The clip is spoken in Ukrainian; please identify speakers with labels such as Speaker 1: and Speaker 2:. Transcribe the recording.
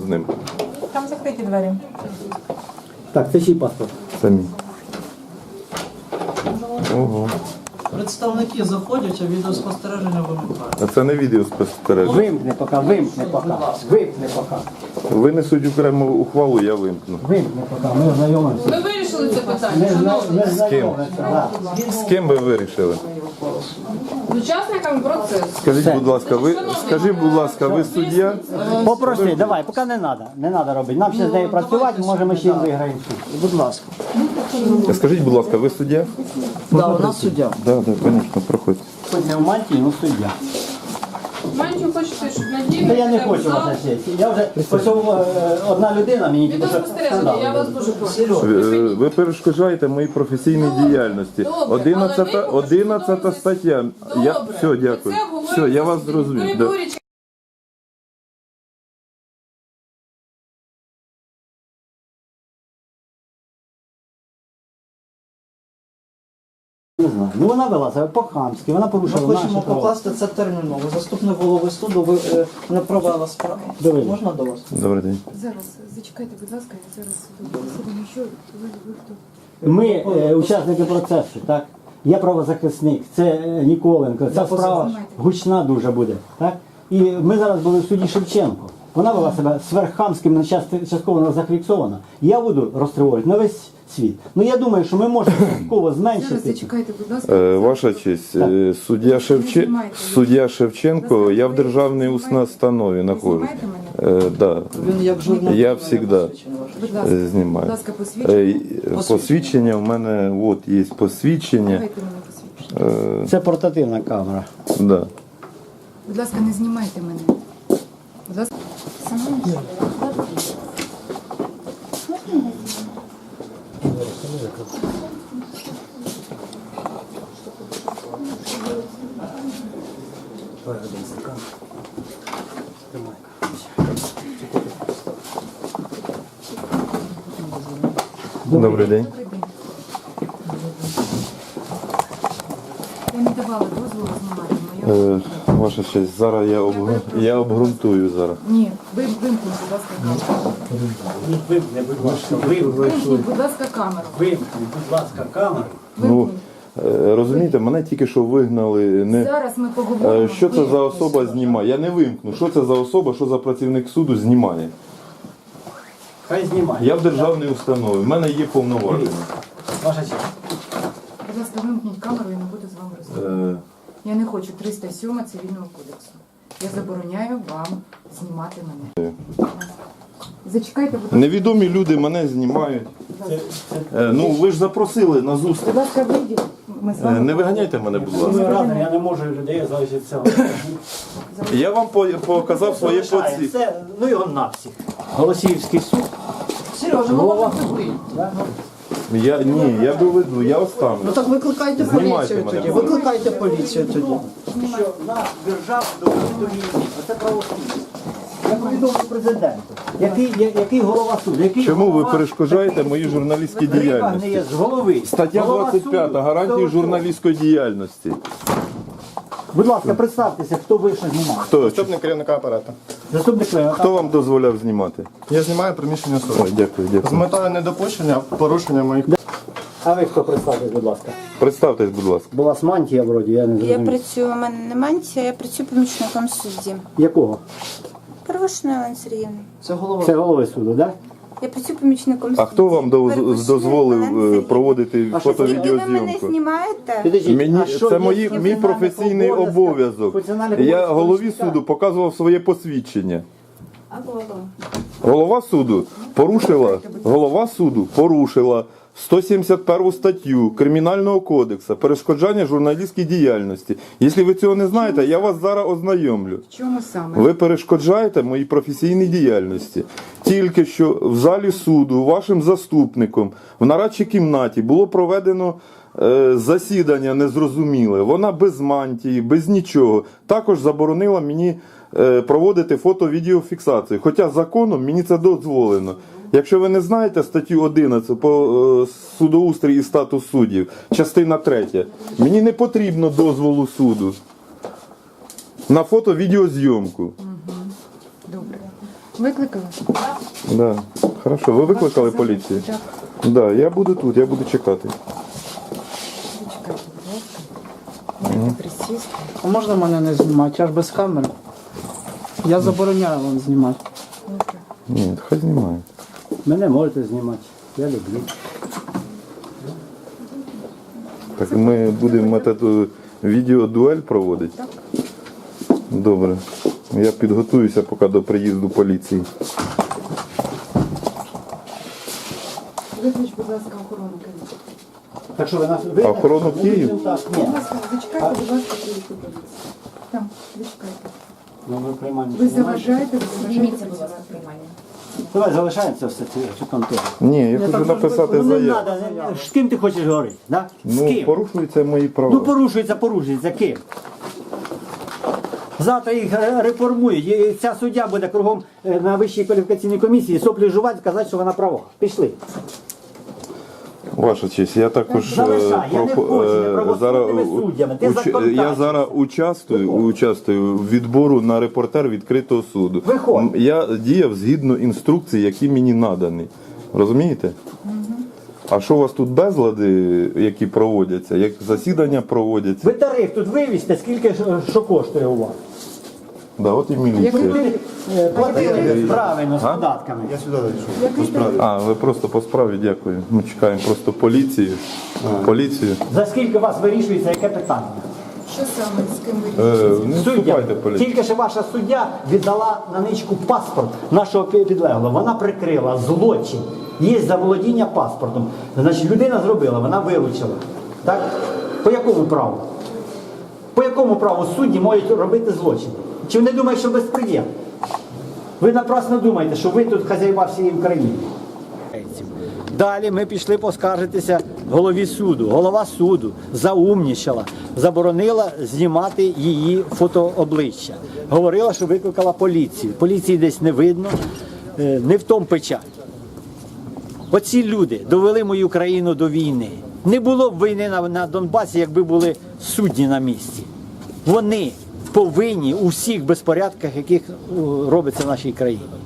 Speaker 1: з ним.
Speaker 2: Там закриті двері.
Speaker 3: Так, це чий паспорт?
Speaker 1: Це мій. Ого.
Speaker 4: Представники заходять, а відеоспостереження вимикають.
Speaker 1: А це не відеоспостереження.
Speaker 3: Вимкни поки, вимкни поки. Вимкни поки.
Speaker 1: Винесуть окрему ухвалу, я вимкну.
Speaker 3: Вимкни поки, ми ознайомимося.
Speaker 2: Ви вирішили це питання, шановні?
Speaker 3: Ми знайомимося, так.
Speaker 1: З ким ви вирішили?
Speaker 2: З учасниками процесу.
Speaker 1: Скажіть, будь ласка, ви суддя?
Speaker 3: Попроси, давай, поки не треба. Не треба робити. Нам ще з нею працювати, може ми ще й виграємо суд.
Speaker 4: Будь ласка.
Speaker 1: Скажіть, будь ласка, ви суддя?
Speaker 4: Да, у нас суддя.
Speaker 1: Так, звісно, проходьте.
Speaker 3: Хоч не в мантії, ну суддя.
Speaker 2: Манчу хочете, щоб надійно...
Speaker 3: Та я не хочу вас на сесії. Я вже, ось одна людина мені тільки що
Speaker 2: Відеоспостереження, я вас дуже прошу.
Speaker 1: Ви перешкоджаєте моїй професійній діяльності.
Speaker 2: Добре, але ми хочемо,
Speaker 1: 11
Speaker 2: щоб
Speaker 1: стаття. Все, дякую. Все, я вас зрозумів. Да.
Speaker 3: не знаю. Ну вона вела себе по-хамськи, вона
Speaker 4: Ми
Speaker 3: порушила
Speaker 4: хочемо
Speaker 3: наші права.
Speaker 4: покласти це терміново. Заступник голови суду ви не провела справу.
Speaker 3: Давай.
Speaker 4: Можна до вас?
Speaker 1: Добрий день.
Speaker 5: Зараз, зачекайте, будь ласка, я зараз засідання. Що ви хто?
Speaker 3: Ми учасники процесу, так? Я правозахисник, це Ніколенко, ця справа гучна дуже буде, так? І ми зараз були в суді Шевченко. Вона вела себе сверххамським, частково зафіксована. Я буду розтривожувати на весь світ. Ну я думаю, що ми можемо частково
Speaker 5: Зараз
Speaker 3: зменшити.
Speaker 5: зачекайте, будь ласка.
Speaker 1: Ваша честь, суддя Шевченко, я в державній установі знаходжусь.
Speaker 5: Знімаєте мене?
Speaker 1: Да.
Speaker 4: Він як журналіст.
Speaker 1: Я завжди
Speaker 5: Будь ласка, будь
Speaker 1: знімаю.
Speaker 5: ласка, посвідчення.
Speaker 1: Посвідчення в мене, от є посвідчення.
Speaker 5: Давайте мені посвідчення.
Speaker 3: Це портативна камера.
Speaker 1: Да.
Speaker 5: Будь ласка, не знімайте мене. Будь ласка.
Speaker 1: Добрий день.
Speaker 5: Я не давала дозволу знімати моє.
Speaker 1: Ваша честь, зараз я обґрунтую зараз.
Speaker 5: Ні, вимкніть, будь ласка, камеру.
Speaker 3: Вимкни, будь ласка,
Speaker 5: Вимкніть, будь ласка, камеру.
Speaker 3: Вимкни, будь ласка, камеру.
Speaker 1: Ну, розумієте, мене тільки що вигнали.
Speaker 5: Зараз ми поговоримо.
Speaker 1: Що це за особа знімає? Я не вимкну. Що це за особа, що за працівник суду знімає?
Speaker 3: Хай знімає.
Speaker 1: Я в державній установі, в мене є повноваження.
Speaker 3: Ваша честь.
Speaker 5: Будь ласка, вимкніть камеру, я не буду з вами розмовляти. Я не хочу 307 Цивільного кодексу. Я забороняю вам знімати мене. Зачекайте, будь ласка.
Speaker 1: Невідомі люди мене знімають. Ну, ви ж запросили на зустріч.
Speaker 5: Будь ласка, вийдіть. Ми з вами.
Speaker 1: Не виганяйте мене, будь ласка.
Speaker 3: Я не можу людей залишити цього.
Speaker 1: Я вам показав своє посвідчення.
Speaker 3: Це, ну його на всіх. Голосіївський суд.
Speaker 4: Сережа, ну
Speaker 3: Голова.
Speaker 1: Я доведу, я останусь.
Speaker 4: Ну так викликайте
Speaker 1: Знімайте
Speaker 4: поліцію
Speaker 1: мене,
Speaker 4: тоді.
Speaker 1: будь ласка.
Speaker 4: Викликайте поліцію тоді.
Speaker 3: Що нас держав до війни. Оце правосуддя. Я повідомив президенту. Який голова суду?
Speaker 1: Чому ви перешкоджаєте моїй журналістській
Speaker 3: Риба
Speaker 1: діяльності?
Speaker 3: не є з голови.
Speaker 1: Стаття
Speaker 3: Голова
Speaker 1: 25
Speaker 3: суду.
Speaker 1: гарантії журналістської діяльності.
Speaker 3: Будь ласка, представтеся, хто вийшов знімати.
Speaker 1: Хто?
Speaker 6: Заступник керівника апарату.
Speaker 3: Заступник Клева.
Speaker 1: Хто вам дозволяв знімати?
Speaker 6: Я знімаю приміщення суду.
Speaker 1: Ой, дякую,
Speaker 6: З
Speaker 1: дякую.
Speaker 6: метою недопущення порушення моїх.
Speaker 3: А ви хто представтесь, будь ласка?
Speaker 1: Представтесь, будь ласка.
Speaker 3: Була мантія вроді, я не
Speaker 7: Я
Speaker 3: зрозумів.
Speaker 7: працюю, у мене не мантія, я працюю помічником судді.
Speaker 3: Якого?
Speaker 7: Первошина Олена Сергіївна.
Speaker 4: Це голова.
Speaker 3: Це голови суду, так?
Speaker 7: Я працюю помічником судді.
Speaker 1: А хто вам дозволив проводити
Speaker 3: А що
Speaker 7: Скільки ви мене
Speaker 1: фото-відеозйомку?
Speaker 7: знімаєте?
Speaker 1: Це мій професійний обов'язок. Я голові суду показував своє посвідчення. Голова суду порушила 171 статтю Кримінального кодексу перешкоджання журналістській діяльності. Якщо ви цього не знаєте, я вас зараз ознайомлю.
Speaker 5: В чому саме?
Speaker 1: Ви перешкоджаєте моїй професійній діяльності. Тільки що в залі суду вашим заступником в нарадчій кімнаті було проведено засідання незрозуміле. Вона без мантії, без нічого. Також заборонила мені проводити фото-відеофіксацію. Хоча законом мені це дозволено. Якщо ви не знаєте статтю 11 по судоустрій і статус суддів, частина 3, мені не потрібно дозволу суду на фото-відеозйомку.
Speaker 5: Добре. Викликали?
Speaker 1: Да. Хорошо, ви викликали поліцію?
Speaker 5: Так.
Speaker 1: Да, я буду тут, я буду чекати.
Speaker 5: Зачекайте, будь ласка. Можете присісти.
Speaker 4: А можна мене не знімати? Я ж без камери. Я забороняю вам знімати.
Speaker 1: Ні, хай знімає.
Speaker 3: Мене можете знімати. Я люблю.
Speaker 1: Так ми будемо методу відеодуель проводити? Так. Добре. Я підготуюся поки до приїзду поліції.
Speaker 5: Виключ, будь ласка, охорону Києва.
Speaker 3: Так що ви нас
Speaker 1: А охорону в Київ?
Speaker 3: Так, ні.
Speaker 5: Будь ласка, зачекайте, будь ласка, приїзду поліції. Там, зачекайте.
Speaker 3: Ну, ми приймаємо.
Speaker 5: Ви заважаєте,
Speaker 2: Зніміться, будь ласка, приймання.
Speaker 3: Давай залишається все цю контору.
Speaker 1: Ні, я хочу написати
Speaker 3: Ну не
Speaker 1: заяву.
Speaker 3: треба. З ким ти хочеш говорити? Да? З
Speaker 1: Ну,
Speaker 3: ким?
Speaker 1: порушуються мої права.
Speaker 3: Ну порушується ким? Завтра їх реформують. І ця суддя буде кругом на Вищій кваліфікаційній комісії соплі жувати, сказати, що вона права. Пішли.
Speaker 1: Ваша честь, я також
Speaker 3: Залишай, я не хочу не правосудними суддями. Ти
Speaker 1: я
Speaker 3: законодавець.
Speaker 1: зараз участвую в відбору на репортер відкритого суду.
Speaker 3: Виходь.
Speaker 1: Я діяв згідно інструкцій, які мені надані. Розумієте? А що у вас тут безлади, які проводяться, як засідання проводяться?
Speaker 3: Ви тариф тут вивізьте, скільки що коштує у вас.
Speaker 1: Да, от і міліція.
Speaker 3: Платили правильно з податками.
Speaker 1: А, ви просто по справі, дякую. Ми чекаємо просто поліцію. Поліцію.
Speaker 3: За скільки у вас вирішується яке питання?
Speaker 5: Що саме, з ким ви?
Speaker 1: Не
Speaker 3: Суддя.
Speaker 1: вступайте поліцію.
Speaker 3: Тільки що ваша суддя віддала на ничку паспорт нашого підлеглого. Вона прикрила злочин. Є заволодіння паспортом. Значить, людина зробила, вона вилучила. Так? По якому праву? По якому праву судді можуть робити злочин? Чи вони думають, що безпреділ? Ви напрасно думаєте, що ви тут хазяїва всієї України. Далі ми пішли поскаржитися голові суду. Голова суду заумнічала, заборонила знімати її фотообличчя. Говорила, що викликала поліцію. Поліції десь не видно, не в тому печаль. Оці люди довели мою країну до війни. Не було б війни на Донбасі, якби були судді на місці. Вони повинні у всіх безпорядках, яких робиться в нашій країні.